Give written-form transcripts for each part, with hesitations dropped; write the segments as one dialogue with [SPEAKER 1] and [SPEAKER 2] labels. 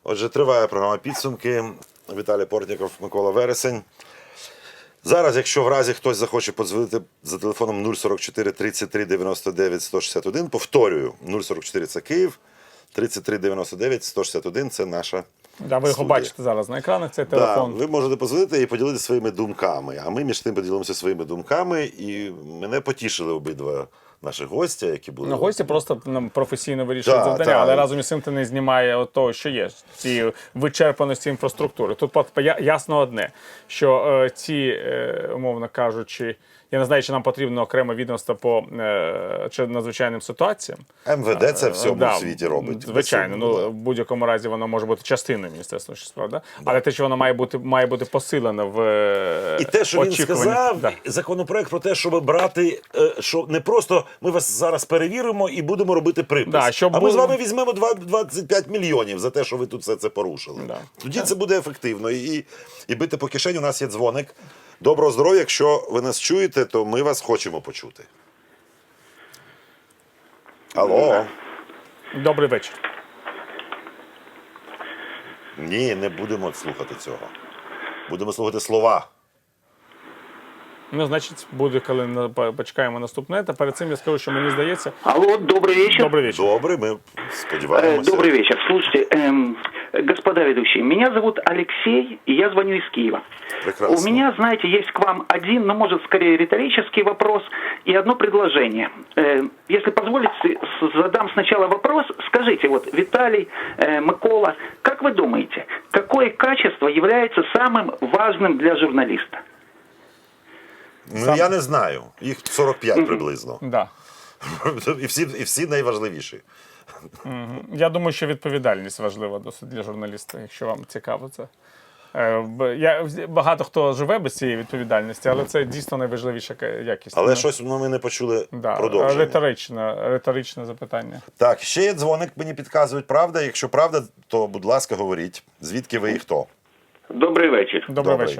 [SPEAKER 1] Отже, триває програма «Підсумки». Віталій Портніков, Микола Вересень. Зараз, якщо в разі хтось захоче подзвонити за телефоном 044 33 99 161, повторюю, 044 – це Київ, 33 99 161 – це наша
[SPEAKER 2] Да, ви його
[SPEAKER 1] студія.
[SPEAKER 2] бачите зараз на екранах, цей телефон.
[SPEAKER 1] Да, ви можете подзвонити і поділитися своїми думками. А ми між тим поділимося своїми думками. І мене потішили обидва наших гостя, які були.
[SPEAKER 2] Ну, гості просто нам професійно вирішують
[SPEAKER 1] Да,
[SPEAKER 2] завдання,
[SPEAKER 1] да.
[SPEAKER 2] але разом із цим ти не знімає того, що є, ці вичерпаності інфраструктури. Тут ясно одне, що ці, умовно кажучи, я не знаю, чи нам потрібно окреме відомство по надзвичайним ситуаціям.
[SPEAKER 1] МВД це в всьому світі робить.
[SPEAKER 2] Звичайно, ну в будь-якому разі воно може бути частиною Міністерства внутрішніх справ, да? Але те, що воно має бути посилено в
[SPEAKER 1] І те, що він
[SPEAKER 2] очікуванні.
[SPEAKER 1] сказав,
[SPEAKER 2] Да.
[SPEAKER 1] законопроект про те, щоб брати, що не просто ми вас зараз перевіримо і будемо робити припис.
[SPEAKER 2] Да, щоб
[SPEAKER 1] а ми з
[SPEAKER 2] було-
[SPEAKER 1] вами візьмемо 25 мільйонів за те, що ви тут все це порушили.
[SPEAKER 2] Да.
[SPEAKER 1] Тоді це буде ефективно. І бити по кишені. У нас є дзвоник. Доброго здоров'я. Якщо ви нас чуєте, то ми вас хочемо почути. Алло.
[SPEAKER 2] Добрий вечір.
[SPEAKER 1] Ні, не будемо слухати цього. Будемо слухати слова.
[SPEAKER 2] Ну, значить, буде, коли почекаємо наступне. Та перед цим я скажу, що мені здається...
[SPEAKER 3] Алло, добрый вечер.
[SPEAKER 2] Добрий вечір.
[SPEAKER 1] Добре, ми сподіваємося.
[SPEAKER 3] Добрый вечер. Слушайте, господа ведущие, меня зовут Алексей, и я звоню из Киева.
[SPEAKER 1] Прекрасно.
[SPEAKER 3] У меня, знаете, есть к вам один, но может скорее риторический вопрос и одно предложение. Если позволите, задам сначала вопрос. Скажите, вот, Виталий, Микола, как вы думаете, какое качество является самым важным для журналиста?
[SPEAKER 1] Ну, я не знаю. Їх 45 приблизно.
[SPEAKER 2] Да.
[SPEAKER 1] І всі найважливіші.
[SPEAKER 2] Я думаю, що відповідальність важлива досить для журналіста, якщо вам цікаво це. Багато хто живе без цієї відповідальності, але це дійсно найважливіша якість.
[SPEAKER 1] Але щось ми не почули
[SPEAKER 2] Да,
[SPEAKER 1] продовження.
[SPEAKER 2] риторичне запитання.
[SPEAKER 1] Так, ще є дзвоник, мені підказують, правда? Якщо правда, то, будь ласка, говоріть. Звідки ви і хто?
[SPEAKER 4] Добрий вечір.
[SPEAKER 2] Добрий
[SPEAKER 1] Добрий.
[SPEAKER 2] вечір.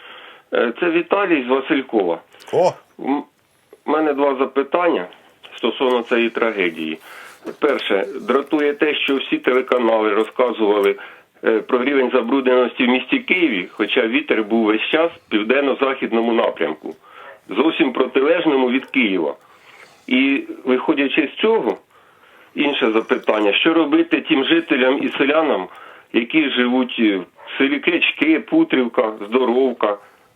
[SPEAKER 4] Це Віталій з Василькова.
[SPEAKER 1] О,
[SPEAKER 4] У мене два запитання стосовно цієї трагедії. Перше, дратує те, що всі телеканали розказували про рівень забрудненості в місті Києві, хоча вітер був весь час в південно-західному напрямку, зовсім протилежному від Києва. І виходячи з цього, інше запитання, що робити тим жителям і селянам, які живуть в селі Крячки, Путрівка, Здоровка,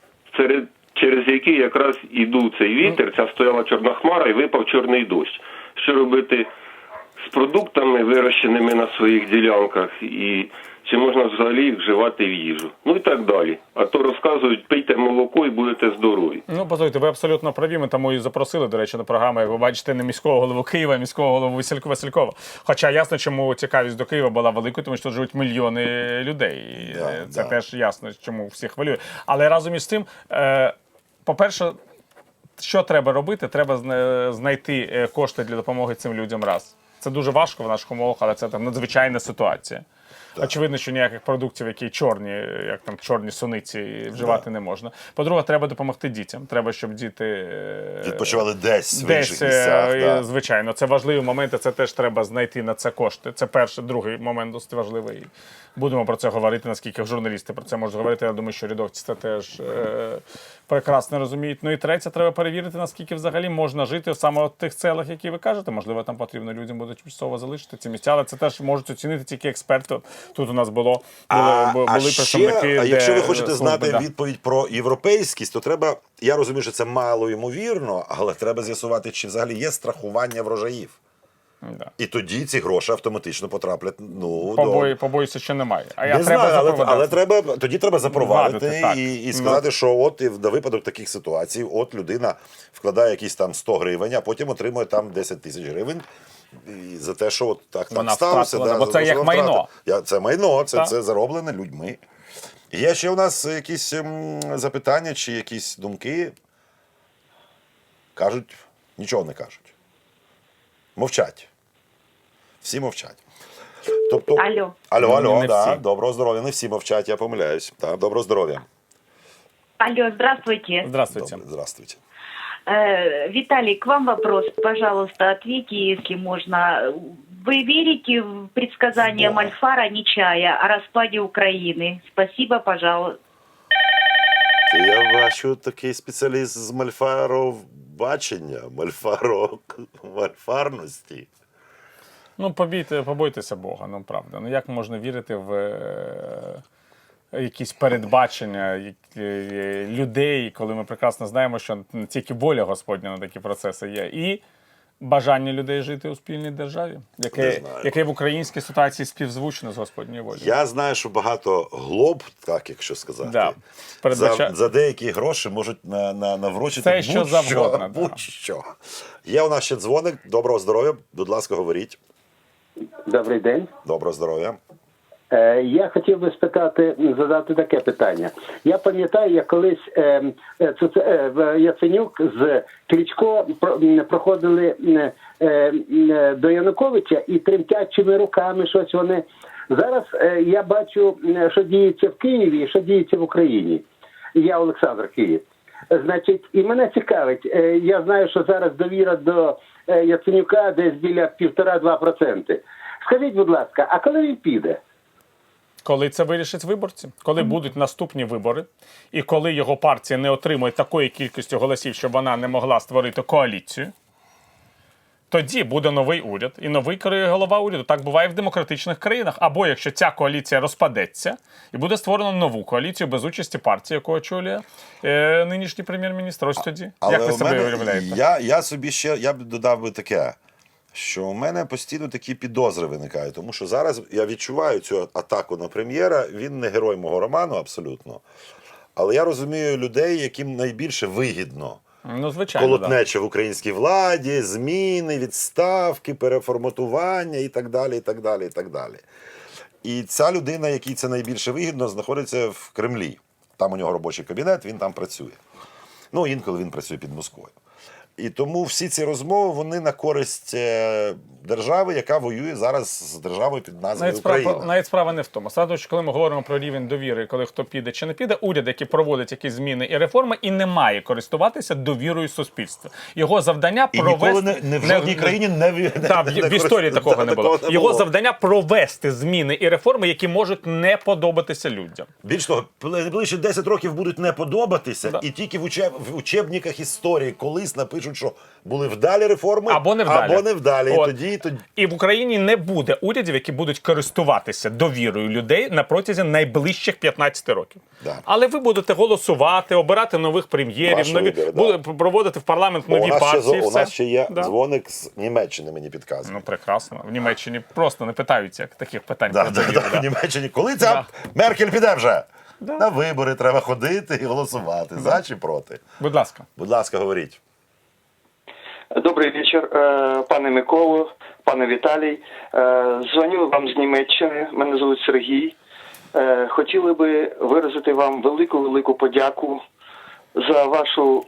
[SPEAKER 4] через які якраз іду цей вітер, ця стояла чорна хмара і випав чорний дощ. Що робити з продуктами, вирощеними на своїх ділянках, і чи можна взагалі їх вживати в їжу? Ну і так далі. А то розказують, пийте молоко і будете здорові.
[SPEAKER 2] Ну, послухайте, ви абсолютно праві. Ми тому і запросили, до речі, на програму, як ви бачите, не міського голову Києва, а міського голову Василькова. Хоча ясно, чому цікавість до Києва була великою, тому що тут живуть мільйони людей. І це теж ясно, чому всіх хвилює. Але разом із тим, по-перше, що треба робити? Треба знайти кошти для допомоги цим людям раз. Це дуже важко в наших умовах, але це там надзвичайна ситуація. Так. Очевидно, що ніяких продуктів, які чорні, як там чорні суниці, вживати не можна. По-друге, треба допомогти дітям. Треба, щоб діти
[SPEAKER 1] відпочивали десь в інших місцях. Да.
[SPEAKER 2] Звичайно, це важливі моменти, це теж треба знайти на це кошти. Це перший, другий момент досить важливий. Будемо про це говорити, наскільки журналісти про це можуть говорити. Я думаю, що рядовці це теж прекрасно розуміють. Ну і третє, треба перевірити, наскільки взагалі можна жити саме в тих селах, які ви кажете. Можливо, там потрібно людям буде тимчасово залишити ці місця, але це теж можуть оцінити тільки експерти. Тут у нас були представники.
[SPEAKER 1] А якщо ви хочете знати відповідь про європейськість, то треба, я розумію, що це мало ймовірно, але треба з'ясувати, чи взагалі є страхування врожаїв.
[SPEAKER 2] Да.
[SPEAKER 1] І тоді ці гроші автоматично потраплять.
[SPEAKER 2] Побоюся, що немає.
[SPEAKER 1] Не знаю, але тоді треба запровадити і сказати, що от і на випадок таких ситуацій, от людина вкладає якісь там 100 гривень, а потім отримує там 10 тисяч гривень. І за те, що от так сталося.
[SPEAKER 2] Бо це як майно.
[SPEAKER 1] Це майно, це зароблене людьми. Є ще у нас якісь запитання чи якісь думки? Кажуть, нічого не кажуть. Мовчать. Всі мовчать. Тобто, алло, да, доброго здоров'я. Не всі мовчать, я помиляюсь. Да, доброго здоров'я.
[SPEAKER 5] Алло, здравствуйте.
[SPEAKER 2] Здравствуйте.
[SPEAKER 1] Здравствуйте.
[SPEAKER 5] Виталий, к вам вопрос. Пожалуйста, ответьте, если можно. Вы верите в предсказания
[SPEAKER 1] Да.
[SPEAKER 5] Мальфара Нечая о распаде Украины? Спасибо, пожалуйста.
[SPEAKER 1] Я бачу такий спеціаліст з мальфаробачення, мальфарності.
[SPEAKER 2] Ну, побойтеся Бога, ну правда. Ну як можна вірити в якісь передбачення людей, коли ми прекрасно знаємо, що тільки воля Господня на такі процеси є. І бажання людей жити у спільній державі, яке в українській ситуації співзвучно з Господньою волею.
[SPEAKER 1] Я знаю, що багато глоб, так якщо сказати,
[SPEAKER 2] Да.
[SPEAKER 1] за деякі гроші можуть наврочити
[SPEAKER 2] Це що завгодно, да.
[SPEAKER 1] будь-що. Є у нас ще дзвоник. Доброго здоров'я. Будь ласка, говоріть.
[SPEAKER 6] Добрий день.
[SPEAKER 1] Доброго здоров'я.
[SPEAKER 6] Я хотів би задати таке питання. Я пам'ятаю, як колись Яценюк з Кличко проходили до Януковича і тремтячими руками щось вони. Зараз я бачу, що діється в Києві і що діється в Україні. Я Олександр, Київ. Значить, і мене цікавить, я знаю, що зараз довіра до Яценюка десь біля 1,5-2%. Скажіть, будь ласка, а коли він піде?
[SPEAKER 2] Коли це вирішать виборці, коли будуть наступні вибори, і коли його партія не отримує такої кількості голосів, щоб вона не могла створити коаліцію, тоді буде новий уряд і новий голова уряду. Так буває в демократичних країнах. Або якщо ця коаліція розпадеться, і буде створено нову коаліцію без участі партії, яку очолює нинішній прем'єр-міністр. Ось тоді. Як ви себе уявляєте?
[SPEAKER 1] Я б додав би таке, що у мене постійно такі підозри виникають, тому що зараз я відчуваю цю атаку на прем'єра, він не герой мого роману абсолютно, але я розумію людей, яким найбільше вигідно
[SPEAKER 2] Ну, звичайно,
[SPEAKER 1] колотнеча в українській владі, зміни, відставки, переформатування і так далі, і так далі, і так далі. І ця людина, якій це найбільше вигідно, знаходиться в Кремлі. Там у нього робочий кабінет, він там працює. Ну, інколи він працює під Москвою. І тому всі ці розмови, вони на користь держави, яка воює зараз з державою під назвою Україна.
[SPEAKER 2] Навіть справа не в тому. Саме, що коли ми говоримо про рівень довіри, коли хто піде чи не піде, уряд, який проводить якісь зміни і реформи, і не має користуватися довірою суспільства. Його завдання
[SPEAKER 1] І
[SPEAKER 2] провести...
[SPEAKER 1] ніколи не в жодній країні
[SPEAKER 2] в історії такого не було. Його завдання провести зміни і реформи, які можуть не подобатися людям.
[SPEAKER 1] Більш того, найближчі 10 років будуть не подобатися, і тільки в учебниках історії колись напишуть, що були вдалі реформи,
[SPEAKER 2] або невдалі.
[SPEAKER 1] От.
[SPEAKER 2] І в Україні не буде урядів, які будуть користуватися довірою людей на протязі найближчих 15 років.
[SPEAKER 1] Да.
[SPEAKER 2] Але ви будете голосувати, обирати нових прем'єрів, проводити в парламент нові партії.
[SPEAKER 1] У нас ще є дзвоник з Німеччини, мені підказує.
[SPEAKER 2] Ну, прекрасно. В Німеччині просто не питаються таких питань.
[SPEAKER 1] В Німеччині. Коли ця Меркель піде вже? На вибори треба ходити і голосувати. За чи проти?
[SPEAKER 2] Будь ласка.
[SPEAKER 1] Будь ласка, говоріть.
[SPEAKER 7] Добрий вечір, пане Миколо, пане Віталій. Дзвоню вам з Німеччини, мене звуть Сергій. Хотіли би виразити вам велику подяку за вашу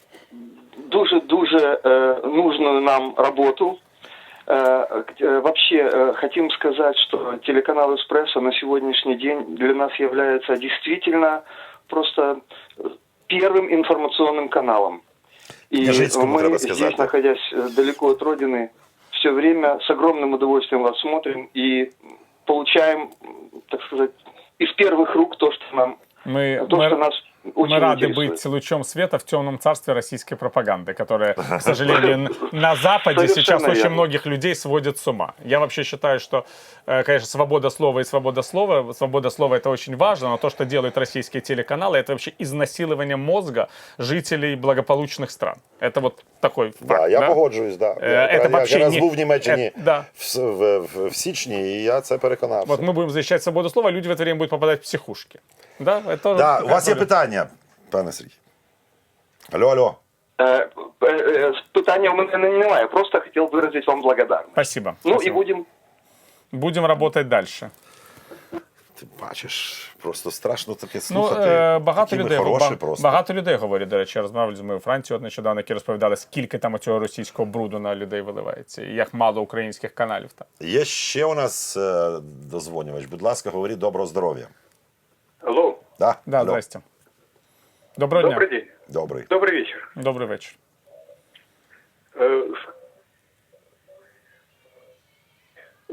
[SPEAKER 7] дуже нужную нам работу. Вообще, хотим сказать, что телеканал «Эспрессо» на сегодняшний день для нас является действительно просто первым информационным каналом. И мы здесь, находясь далеко от родины, все время с огромным удовольствием вас смотрим и получаем, так сказать, из первых рук то, что нам, что нас очень
[SPEAKER 2] мы рады
[SPEAKER 7] интересует.
[SPEAKER 2] быть лучом света в темном царстве российской пропаганды, которая, к сожалению, на Западе сейчас очень многих людей сводит с ума. Я вообще считаю, что, конечно, свобода слова и свобода слова это очень важно, но то, что делают российские телеканалы, это вообще изнасилование мозга жителей благополучных стран. Это вот такой факт.
[SPEAKER 1] Да, я погоджуюсь, да. Я раз був в Німеччині в січні, і я це переконався.
[SPEAKER 2] Вот мы будем защищать свободу слова, люди в это время будут попадать в психушки. Да,
[SPEAKER 1] у вас є питання, пане Сергій? Алло.
[SPEAKER 7] Питання у мене немає, просто хотів виразити вам благодарність.
[SPEAKER 2] Спасибо.
[SPEAKER 7] І
[SPEAKER 2] будем работать дальше.
[SPEAKER 1] Ти бачиш, просто страшно таке слухати.
[SPEAKER 2] Багато людей говорять, до речі, я розмовляв з моєю Францією нещодавно, які розповідали, скільки там цього російського бруду на людей виливається, і як мало українських каналів там.
[SPEAKER 1] Є ще у нас дозвонювач. Будь ласка, говоріть, доброго здоров'я.
[SPEAKER 7] Алло.
[SPEAKER 2] Да, здрасте. Доброго дня.
[SPEAKER 7] Добрый день. Добрый вечер.
[SPEAKER 2] Добрый вечер.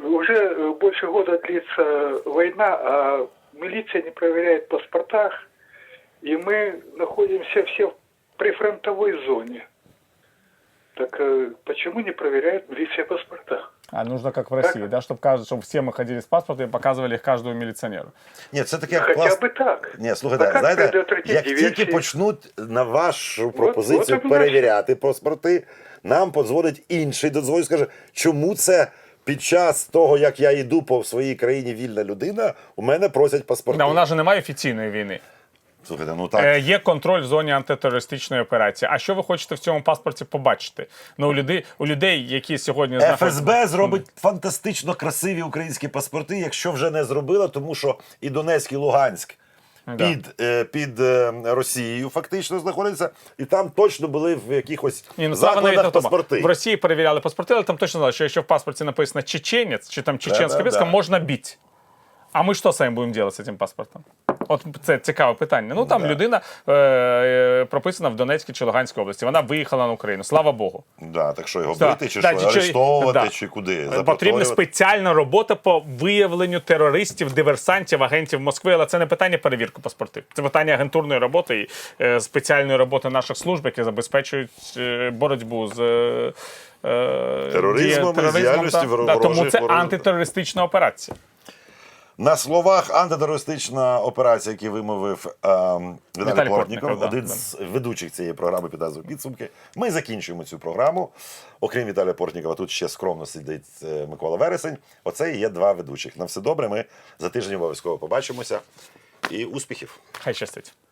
[SPEAKER 8] уже больше года длится война, а милиция не проверяет паспортах, и мы находимся все в прифронтовой зоне. Так почему не проверяет милиция паспорта?
[SPEAKER 2] А нужно как в России, да, чтобы все мы ходили с паспортом и показывали их каждому милиционеру.
[SPEAKER 1] Ні, це таке
[SPEAKER 8] Хоча б так.
[SPEAKER 1] Ні, слухайте,
[SPEAKER 8] як
[SPEAKER 1] знаєте,
[SPEAKER 8] предотвратити
[SPEAKER 1] як
[SPEAKER 8] диверсії?
[SPEAKER 1] тільки почнуть на вашу пропозицію
[SPEAKER 8] от і
[SPEAKER 1] перевіряти паспорти, нам подзвонить інший, додзвонить, скаже, чому це під час того, як я йду по своїй країні вільна людина, у мене просять паспорти.
[SPEAKER 2] Да, у нас же немає офіційної війни.
[SPEAKER 1] Слухайте, ну так.
[SPEAKER 2] Є контроль в зоні антитерористичної операції. А що ви хочете в цьому паспорті побачити? Ну, у людей, які сьогодні
[SPEAKER 1] ФСБ зробить фантастично красиві українські паспорти, якщо вже не зробила, тому що і Донецьк, і Луганськ під Росією фактично знаходяться, і там точно були в якихось закладах паспорти.
[SPEAKER 2] В Росії перевіряли паспорти, але там точно знали, що якщо в паспорті написано «чеченець» чи там «чеченська», можна бити. А ми що з вами будемо робити з цим паспортом? От це цікаве питання. Ну там людина прописана в Донецькій чи Луганській області. Вона виїхала на Україну. Слава Богу.
[SPEAKER 1] Да, так що його бити, чи що, арештовувати, чи куди?
[SPEAKER 2] Потрібна спеціальна робота по виявленню терористів, диверсантів, агентів Москви. Але це не питання перевірки паспортів. Це питання агентурної роботи і спеціальної роботи наших служб, які забезпечують боротьбу з
[SPEAKER 1] тероризмом і діяльністю ворожих.
[SPEAKER 2] Тому це антитерористична операція.
[SPEAKER 1] На словах антитерористична операція, які вимовив Віталій Портніков, один з ведучих цієї програми під назвою «Підсумки». Ми закінчуємо цю програму. Окрім Віталія Портнікова, тут ще скромно сидить Микола Вересень. Оце і є два ведучих. На все добре, ми за тиждень обов'язково побачимося. І успіхів!
[SPEAKER 2] Хай щастить!